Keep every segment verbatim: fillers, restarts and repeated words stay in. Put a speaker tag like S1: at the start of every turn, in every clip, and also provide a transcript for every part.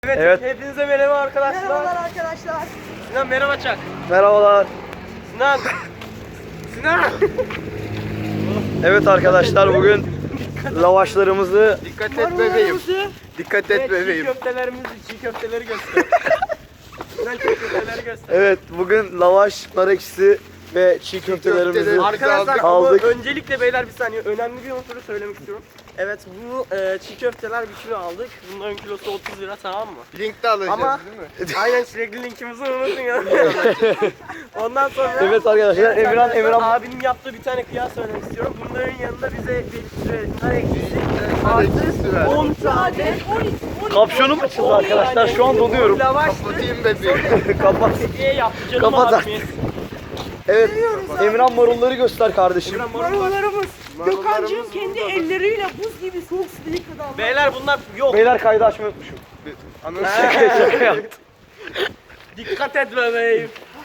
S1: Evet, evet. Hepinize merhaba arkadaşlar.
S2: Merhabalar arkadaşlar.
S1: Sinan merhaba çak.
S3: Merhabalar.
S1: Sinan. Sinan.
S3: Evet arkadaşlar, bugün lavaşlarımızı
S1: Dikkat et bebeğim.
S3: dikkat
S1: Evet,
S3: et bebeğim.
S1: Çiğ köftelerimizi, çiğ köfteleri göster. Sinan çiğ köfteleri göster.
S3: Evet, bugün lavaş, nar ekşisi ve çiğ köftelerimizi
S1: Arkadaşlar
S3: aldık.
S1: ama öncelikle beyler bir saniye önemli bir unsuru söylemek istiyorum. Evet bu e, çiğ köfteler bir kilo aldık. Bunların kilosu otuz lira, tamam mı?
S4: Link de alacağız
S1: Ama
S4: değil mi?
S1: aynen sürekli linkimizi unutun ya. Ondan sonra
S3: Evet arkadaşlar, Emirhan
S1: arkadaşlar,
S3: Emirhan
S1: abinin yaptığı bir tane kıyas söylemek istiyorum. Bunların yanında bize bir e, nar ekşisi
S4: Eksiği ver.
S1: on tane
S3: kapşonum açıldı arkadaşlar. Şu an donuyorum.
S1: lavaştı.
S4: Kapatayım bebeğim.
S3: Kapat.
S1: Hediye yaptı canım
S3: Kapat
S1: abimiz.
S3: Evet, Emirhan marulları göster kardeşim.
S2: Marullarımız. Gökhan'cığım
S1: Marullarımız
S2: kendi
S1: burada.
S2: elleriyle buz gibi soğuk suda yıkadı ama.
S1: Beyler bunlar yok.
S3: Beyler, kaydı açmayı unutmuşum.
S4: Anons
S3: Şaka yaptım.
S1: Dikkat et bebeğim.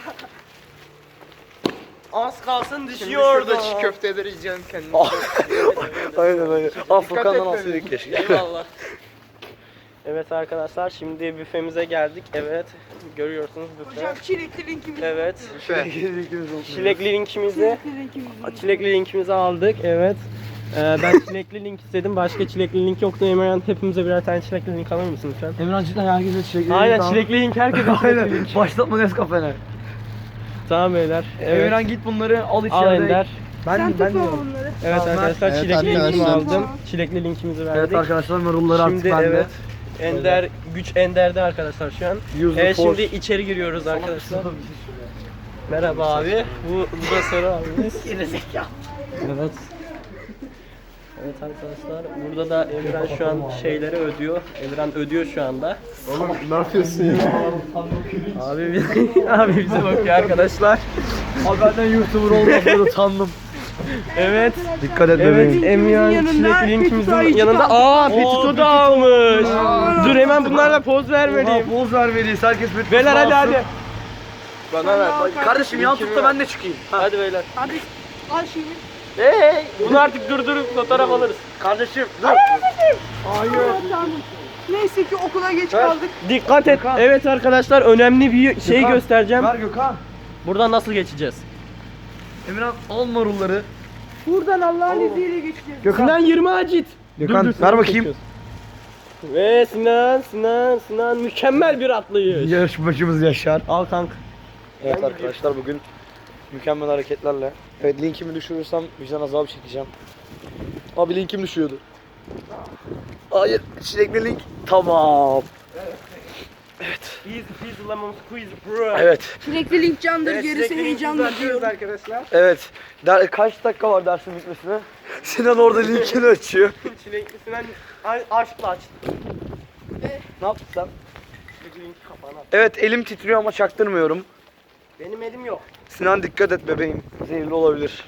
S1: Az kalsın
S4: Şimdi
S1: düşüyordu.
S4: şurada çiğ köfteleri yiyeceksin kendin.
S3: Aynen aynen. Ah, Furkan'dan
S4: et
S3: alsaydık keşke.
S1: Eyvallah. Evet arkadaşlar, şimdi büfemize geldik. Evet, görüyorsunuz büfe.
S2: Hocam çilekli linkimiz.
S1: Evet.
S4: Büfe.
S1: Çilekli linkimizi,
S2: Çilekli linkimiz.
S1: çilekli linkimizi aldık. Evet. Ee, ben çilekli link istedim. Başka çilekli link yoktu. Emirhan, hepimize birer tane çilekli link alır mısın lütfen?
S3: Emirhan cidden herkese çilekli.
S1: Aynen, çilekli link herkese çilekli link.
S3: Başlatma Nescafe'ne.
S1: Tamam beyler. Evet.
S3: Emirhan git bunları al içeride.
S1: Al Ender.
S3: Ben
S2: Sen
S3: ben
S2: tutma
S3: diyorum.
S2: onları.
S1: Evet
S3: Tamam,
S1: arkadaşlar,
S4: evet
S1: çilekli linkimi
S4: arkadaşlar.
S1: aldım. Çilekli linkimizi verdik.
S3: Evet arkadaşlar, marulları artık
S1: Şimdi
S3: bende.
S1: evet. Ender, güç Ender'de arkadaşlar şu an.
S3: Use the
S1: Evet,
S3: force.
S1: şimdi içeri giriyoruz arkadaşlar. Merhaba abi. Bu, bu da Sarı abimiz. Evet. Evet arkadaşlar, burada da Emirhan şu an şeyleri ödüyor. Emirhan ödüyor şu anda.
S4: Oğlum ne yapıyorsun ya?
S1: Abi biz, abi bize bakıyor arkadaşlar.
S3: Abi benden YouTuber olmaktan utandım.
S1: Evet.
S3: Dikkat et
S1: Evet,
S3: bebeğim.
S1: Emirhan
S2: yanında
S1: çilekli linkimizin
S2: Petito ayıcık
S1: yanında.
S2: aldı.
S1: Aa,
S3: Oo,
S1: Petito da almış. Dur hemen bunlarla poz vermeliyim.
S3: Poz vermeliyiz. Herkes bir
S1: Beyler hadi hadi.
S4: Bana ver.
S3: Kardeşim yan tut da ben de çıkayım.
S1: Hadi beyler.
S2: Hadi al şimdi.
S1: Hey hey. Bunu artık durdurup fotoğraf alırız.
S3: Kardeşim dur.
S2: Hayır. Tamam. Neyse ki okula geç kaldık.
S1: Dikkat et.
S3: Gökhan.
S1: Evet arkadaşlar, önemli bir şey
S3: Gökhan,
S1: göstereceğim.
S3: Ver Gökhan.
S1: Buradan nasıl geçeceğiz?
S3: Emirhan al marulları.
S2: Buradan Allah'ın izniyle geçeceğiz.
S1: Sinan yirmi acit.
S3: Gökhan,
S1: Dur, dur,
S3: ver
S1: Sinan
S3: bakayım.
S1: çekiyoruz. Ve Sinan, Sinan, Sinan mükemmel bir atlayış.
S3: Yarışmacımız Yaşar.
S1: Al kank.
S3: Evet arkadaşlar, bugün mükemmel hareketlerle. Evet, linkimi düşürürsem vicdan azabı çekeceğim. Abi linkim düşüyordu. Hayır, çilekli link. Tamam.
S1: Easy peasy lemon squeeze bro.
S3: Evet.
S2: Çilekli link candır,
S1: Evet,
S2: gerisi
S1: sürekli
S2: heyecandır
S1: linkimizi
S2: diyorum.
S1: atıyoruz arkadaşlar.
S3: Evet. Der, kaç dakika var dersin bitmesine? Sinan orada linkini açıyor.
S1: Çilekli Sinan a- aşkla açtı.
S3: Ne yaptın sen?
S1: Çilekli linki kapağına at.
S3: Evet, elim titriyor ama çaktırmıyorum.
S1: Benim elim yok.
S3: Sinan dikkat et bebeğim. Zehirli olabilir.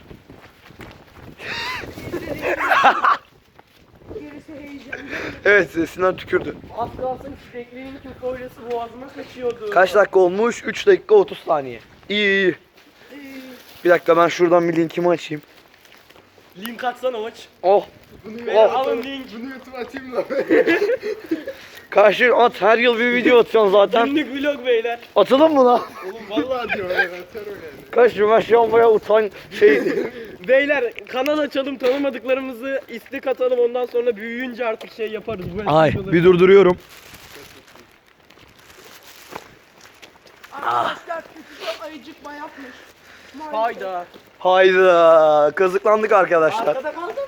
S2: Gerisi heyecandır.
S3: Evet, Sinan tükürdü.
S1: Az kalsın çilekli linkin kolyesi boğazıma kaçıyordu.
S3: Kaç dakika olmuş? üç dakika otuz saniye. İyi iyi. Bir dakika, ben şuradan bir linkimi açayım.
S1: Link atsana hoç.
S3: Oh.
S1: Beyler
S3: Oh.
S1: alın link.
S4: Bunu YouTube'a atayım da.
S3: Karşı at, her yıl bir video atıyorsun zaten.
S1: Günlük vlog beyler.
S3: Atalım mı lan?
S4: Oğlum vallahi diyor ya. Atar o yani.
S3: Karşı ben şu an bayağı utan şey.
S1: Beyler kanal açalım, tanımadıklarımızı istek atalım, ondan sonra büyüyünce artık şey yaparız. Bu
S3: Ay,
S1: videoları-
S3: bir durduruyorum.
S2: Arkadaşlar Petito ayıcıkma yapmış. Maalesef.
S1: Hayda.
S3: Hayda, kazıklandık arkadaşlar.
S1: Arkada kaldım.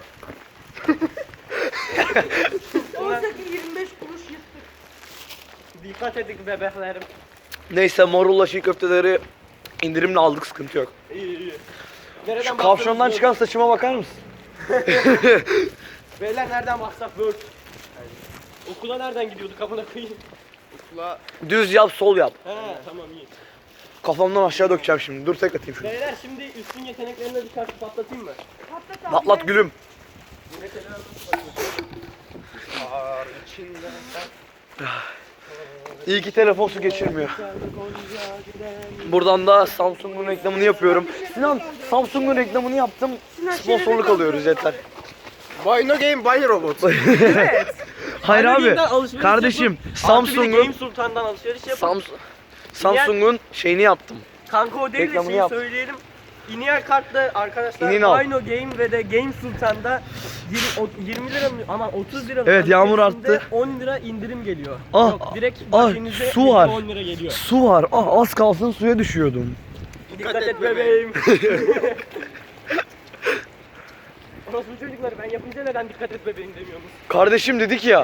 S2: Oysa ki yirmi beş kuruş yırttık.
S1: Dikkat edin bebeklerim.
S3: Neyse, morulla çiğ köfteleri indirimle aldık, sıkıntı yok.
S1: İyi iyi. Nereden
S3: Şu kavşondan
S1: baksanız
S3: çıkan saçıma bakar mısın?
S1: Word. Beyler nereden baksak Word. Okula nereden gidiyorduk kapına koyayım?
S4: Okula
S3: Düz yap, sol yap.
S1: He tamam iyi.
S3: Kafamdan aşağı dökeceğim şimdi. Dur, tek atayım şunu.
S1: Beyler şimdi üstün yeteneklerini birkaç patlatayım mı?
S2: Patlat abi.
S3: Patlat gülüm.
S4: ağır içinde.
S3: İyi ki telefon su geçirmiyor. Buradan da Samsung'un reklamını yapıyorum. Sinan, Samsung'un reklamını yaptım. Sponsorluk alıyoruz yeter.
S4: Buy no game, buy robot.
S3: Hayır
S1: Aynı
S3: abi.
S1: günden alışveriş
S3: Kardeşim
S1: yapıp, artı bir de
S3: Samsung'un
S1: Game Sultan'dan alışveriş yapıp.
S3: Samsung Samsung'un şeyini yaptım.
S1: Kanka o değil de
S3: Reklamını
S1: şeyi
S3: yap.
S1: söyleyelim. İnial kartla arkadaşlar
S3: İnin al.
S1: Dino Game ve de Game Sultan'da yirmi, o- yirmi lira mı ama otuz lira mı?
S3: Evet, yağmur
S1: alışverişinde
S3: arttı.
S1: on lira indirim geliyor.
S3: Ah,
S1: Yok direkt
S3: ah,
S1: bakiyenize
S3: su var.
S1: on lira geliyor.
S3: Su var. Ah az kalsın suya düşüyordum.
S1: Dikkat et bebeğim. Orası çocuklar ben yapınca neden dikkat et bebeğim demiyorsunuz?
S3: Kardeşim dedik ya.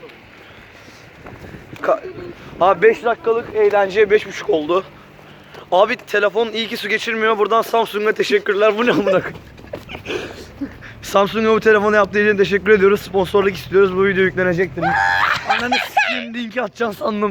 S3: Ka Abi beş dakikalık eğlence beş buçuk oldu. Abi telefon iyi ki su geçirmiyor. Buradan Samsung'a teşekkürler. Bu ne amına koyayım? Samsung'a bu telefonu yaptığı için teşekkür ediyoruz. Sponsorluk istiyoruz. Bu video yüklenecektir. Ananı s**eyim linki atacaksın sandım.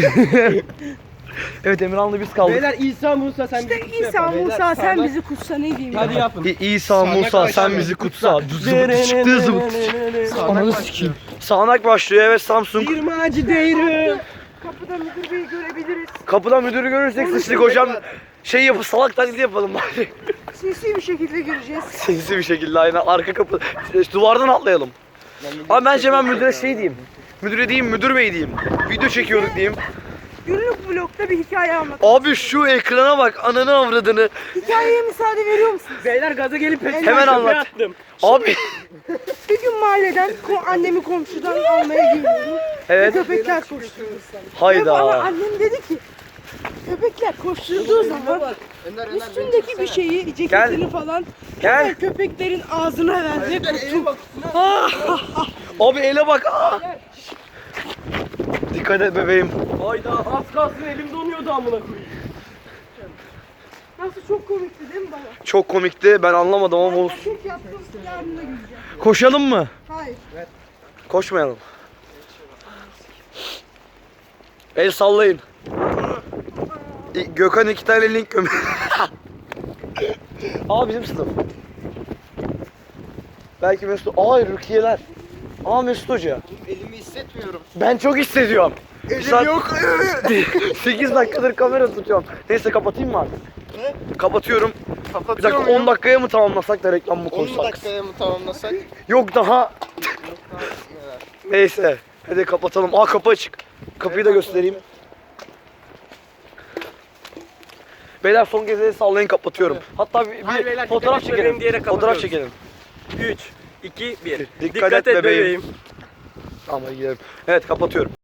S3: Evet Emirhan'la biz kaldık.
S1: Beyler İsa Musa sen
S2: İşte
S1: bizi kutsa
S2: İsa
S1: yapın.
S2: Musa
S1: Beyler,
S2: sen
S1: sağdan-
S2: bizi kutsa ne diyeyim
S1: Hadi
S2: ya.
S1: yapın.
S3: İ- İsa Musa sen bizi kutsa. Zıbıtı çıktı zıbıtı. Ananı sikeyim. Sağanak başlıyor evet Samsung.
S1: Bir macı değeri.
S2: Kapıda müdür beyi görebiliriz.
S3: Kapıdan müdürü görürsek sıçtık hocam. Şey yapıp salak taklidi yapalım bari.
S2: Sinsi bir şekilde gireceğiz.
S3: Sinsi bir şekilde aynen arka kapı işte duvardan atlayalım. Abi bence ben müdüre şey diyeyim. Müdüre diyeyim, müdür bey diyeyim. Video çekiyorduk diyeyim.
S2: Günlük vlogda bir hikaye anlat.
S3: Abi şu ekrana bak ananı avradını.
S2: Hikayeye müsaade veriyor musunuz?
S1: Beyler gaza gelip peşine
S3: Hemen
S1: köpeğe
S3: anlat.
S1: attım.
S3: Abi.
S2: Bir gün mahalleden ko- annemi komşudan almaya geliyorum.
S3: Evet.
S2: Ve köpekler koşturdu. Ve bana
S3: Hayda.
S2: annem dedi ki köpekler koşturduğu zaman üstündeki bir şeyi, ceketini falan
S3: Gel.
S2: hemen köpeklerin ağzına ver ve kurtul.
S3: Abi ele bak. Aa. Dikkat et bebeğim.
S1: Hayda az kalsın elim donuyordu amına koyayım.
S2: Nasıl çok komikti değil mi baba?
S3: Çok komikti. Ben anlamadım ama olsun.
S2: Çok yaptım, yarın da güleceğim.
S3: Koşalım mı?
S2: Hayır.
S3: Koşmayalım. El sallayın. İ- Gökhan iki tane link göm. Aa bizim sınıf. Belki Mesut. Aa Rukiyeler. Aa Mesut Hoca.
S4: Elimi hissetmiyorum.
S3: Ben çok hissediyorum.
S4: Elim yok.
S3: sekiz dakikadır kamera tutuyorum. Neyse kapatayım mı artık?
S4: Ne?
S3: Kapatıyorum. Bir
S4: Kapatıyor
S3: dakika on dakikaya mı tamamlasak da reklam mı
S4: on
S3: koysak?
S4: dakikaya mı tamamlasak?
S3: Yok daha. Neyse. Hadi kapatalım. Aa kapı açık. Kapıyı da göstereyim. Beyler son kez el sallayın kapatıyorum. Hatta bir, bir
S1: Hayır beyler,
S3: fotoğraf
S1: dikkat et bebeğim
S3: çekelim.
S1: diyerek
S3: Fotoğraf
S1: kapatıyoruz.
S3: çekelim.
S1: üç, iki, bir.
S3: Dikkat et bebeğim. Ama gidelim. Evet kapatıyorum.